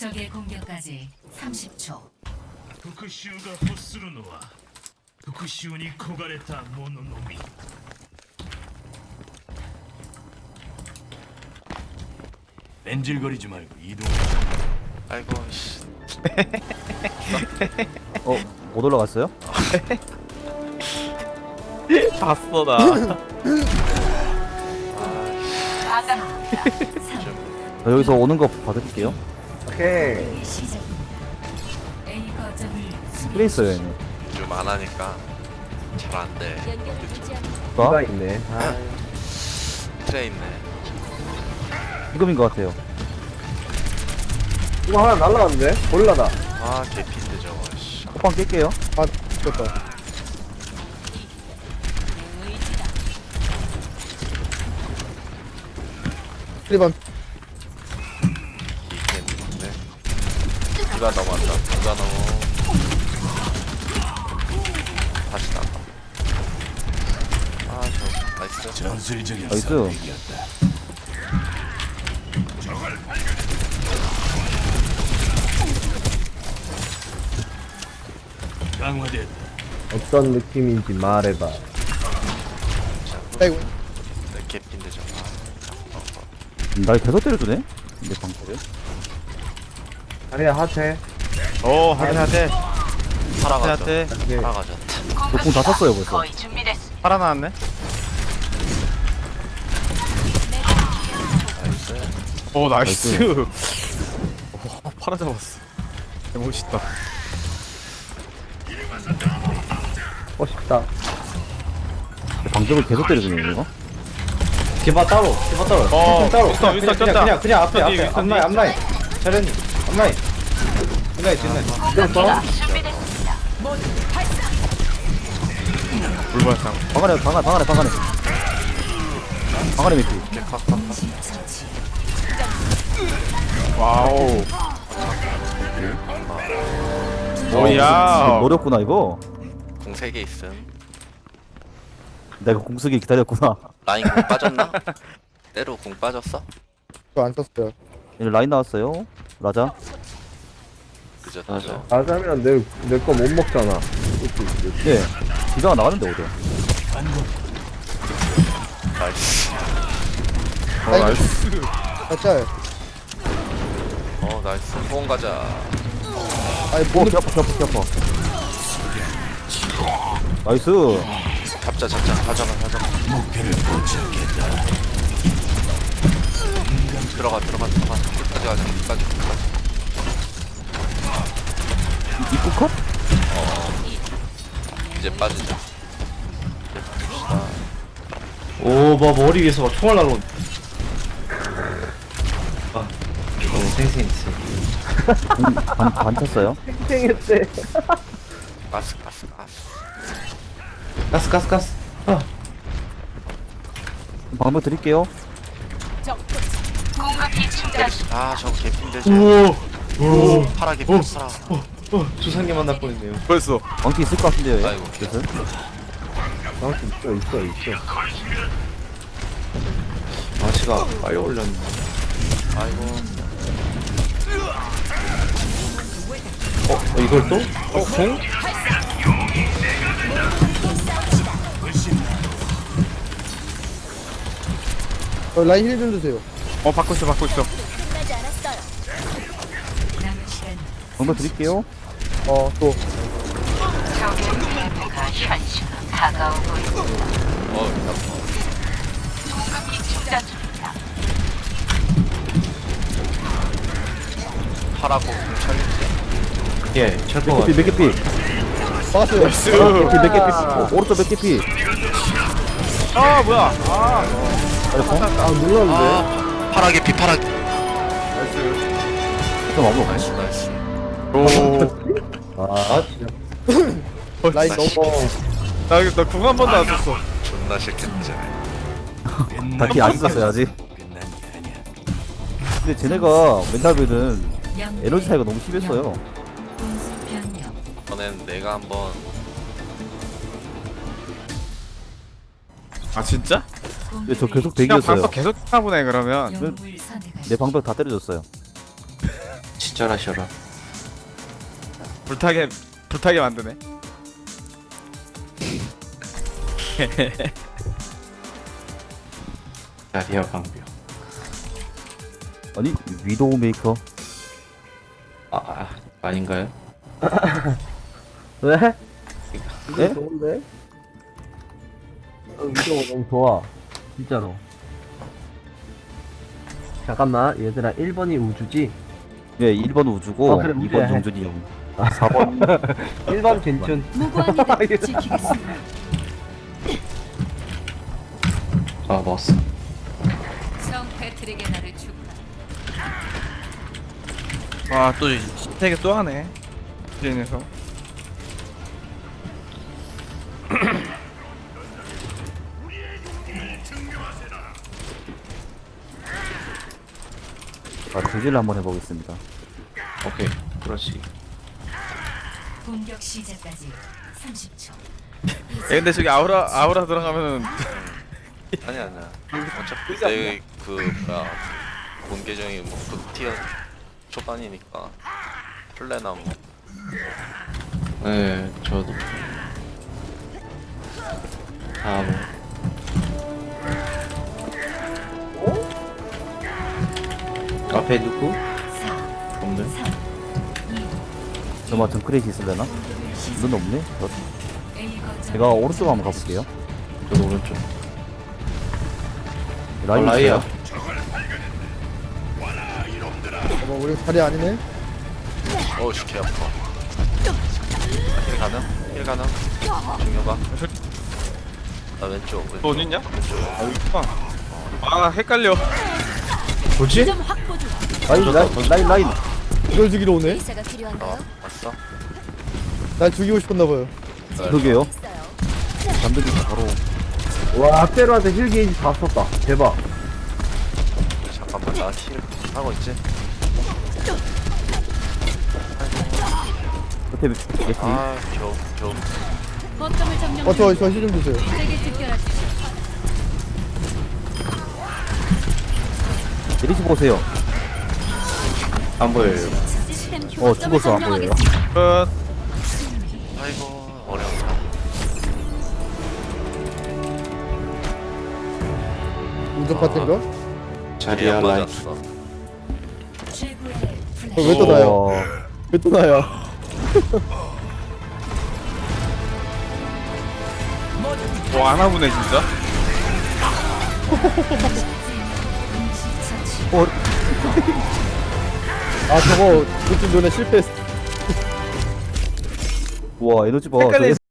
적의 공격까지 30초. 復讐が欲するのは復讐に焦がれた者のみ。 뺀질거리지 말고 이동하자. 아이고 씨. 못 올라갔어요? 봤어 나. 저 여기서 오는 거 봐드릴게요. 오케이. 시작입니다. A 거점을 그래 있어요 얘는. 좀 안 하니까 잘 안 돼. 누가 있네. 아, 트레 있네. 지금인 것 같아요. 이거 하나 날라갔는데? 고릴라다. 아 개피인데 저거. 씨. 호빵 깰게요. 아, 됐다. 1번. 이겠는데. 누가 넘어왔다. 누가 넘어. 다시 나가. 아저 나이스. 전술적인 나이스. 선택이었다. 강화됐다. 어떤 느낌인지 말해봐. 아이고. 네, 개피인데 저거. 날 계속 때려주네? 근데 방패를? 아니야, 하체. 오 하대 살아가죠. 네. 살아가졌다. 저공 다 찼어요 벌써. 살아나왔네. 나이스. 오 나이스. 오 팔아 잡았어. 멋있다. 멋있다. 방벽을 계속 때려주네 이거. 디바 따로, 디바 따로. 어, 따로. 윈스턴, 윈스턴 쪘다. 그냥 앞에, 윈스턴 앞에. 뒤, 윈스턴 앞라인, 뒤. 앞라인. 자련이, 앞라인. 뒷라인, 뒷라인. 뛰었어? 물발상. 방 안에 미키. 와우. 어, 오야. 노렸구나 이거. 공 3개 있음. 내가 공쓰기 기다렸구나. 라인 공 빠졌나? 때로 공 빠졌어? 저안 썼어요. 얘네 라인 나왔어요. 라자. 늦었죠. 나자면 내 거 못 먹잖아. 예. 기가가 나가는데 어디야? 나이스. 나이스. 맞아요. 나이스. 후원 가자. 아니, 오, 키 아파. 나이스. 잡자. 가져가. 목표를 포착했다. 들어가. 끝까지 가자. 끝까지. 입구 컷? 이제 빠지자. 오, 뭐 머리 위에서 막 총알 날라온. 아, 너무 생생했어. 반 찼어요. 생했대. 가스. 가스. 아, 방법 드릴게요. 아 저거 개핀데 저. 오, 파라 개핀 파라. 조상님 만날 뻔했네요. 벌써. 왕키 있을 것 같은데요. 얘. 아이고. 그래서 있어. 아씨가 빨리 올렸네. 아이고. 이걸 또? 공? 라인 힐 좀 주세요. 받고 있어. 남은 시간 방법 드릴게요. 또. 파라고 찰리지. 예, 철거 같아. 몇 개피? 막았어요. 몇 개피? 오른쪽 몇 개피? 아 뭐야? 아, 눌렀는데. 파라 개피 파라. 좀 아무. 나이스. 오. 아, 진짜. 라인 너무. 나궁 한 번도 안 썼어. 존나 싫겠지. 다키 안 썼어요 아직. 끝난 게 아니야. 근데 쟤네가 멘탈비는 영 에너지 차이가 너무 심했어요. 공수 변경. 이번엔 내가 한번 아 진짜? 근데 저 계속 그냥 대기였어요. 방석 계속 하나 보네 그러면. 영웅을 선택하시. 내 방벽 다 때려줬어요. 기절하셔라. 불타게 만드네. 자리야 방벽. 아니 위도우 메이커. 아닌가요? 왜? 네? 좋은데? 위도우 너무 좋아. 진짜로. 잠깐만, 얘들아, 1번이 우주지? 예 1번 우주고 그래, 2번 우주야. 정준이 형. 4번 1번 괜춘. 무고한 이들 지키겠습니다. 먹었어. 성 패트릭의 날을 축하. 와또 신세계 또 하네. 디엔에서. 조질을 한번 해보겠습니다. 오케이. 그렇지. 공격 시작까지 30초. 근데 저기 아우라 들어가면은 아니야. 어차피 내그 뭐야 본 계정이 뭐 극티어 초반이니까 플레나 뭐 네, 저도. 앞에 누구? 4, 없네. 3, 2, 저만 등크레이시 있을래나? 눈 없네? A 거점. 제가 오른쪽 한번 가볼게요. 저도 오른쪽. 라인 라이야. 있어요? 우리 자리 아니네? 어우씨 개 아파. 힐 가능? 중요봐. 나 왼쪽. 또 어디 있냐? 아 여기 있구나. 아 헷갈려. 뭐지? 라인. 이걸 죽이러 오네? 의사가 필요한가요? 왔어? 날 죽이고 싶었나봐요. 그러게요. 잠들기 바로. 와, 앞대로한테 힐 게이지 다 썼다. 대박. 잠깐만 나 힐 하고 있지? 끝에 예티. 아 겨우. 거점을 점령. 저힐 좀 주세요. 세계 집결하십시오. 예리시 보세요. 안 보여요. 시스템 휴 죽었어 안 보여요. 끝. 아이고 어렵다. 운전 파트인가? 자리야 라인. 맞았어. 최고의 플레이. 왜 또 나요? 왜 또 나야? 뭐 안 하보네 진짜. 아 저거 그쯤 전에 실패했어. 와 에너지 봐. 헷갈려.